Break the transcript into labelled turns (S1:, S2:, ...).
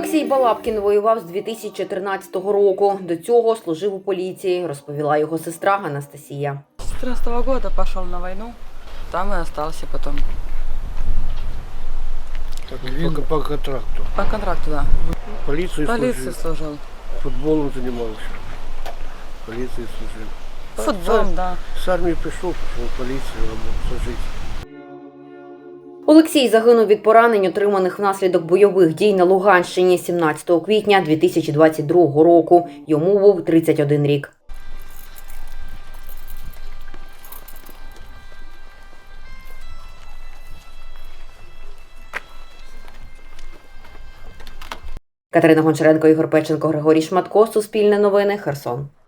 S1: Олексій Балабкін воював з 2014 року. До цього служив у поліції, розповіла його сестра Анастасія.
S2: С 2014 года пошел на войну, там и остался потом.
S3: По контракту.
S2: По контракту, да.
S3: Полиции
S2: Полиции
S3: служил.
S2: служил.
S3: Футболом занимался. Полиции служил.
S2: Футболом, да.
S3: С армии пришел в полицию работал, служить.
S1: Олексій загинув від поранень, отриманих внаслідок бойових дій на Луганщині 17 квітня 2022 року. Йому був 31 рік. Катерина Гончаренко, Ігор Печенко, Григорій Шматко. Суспільне новини. Херсон.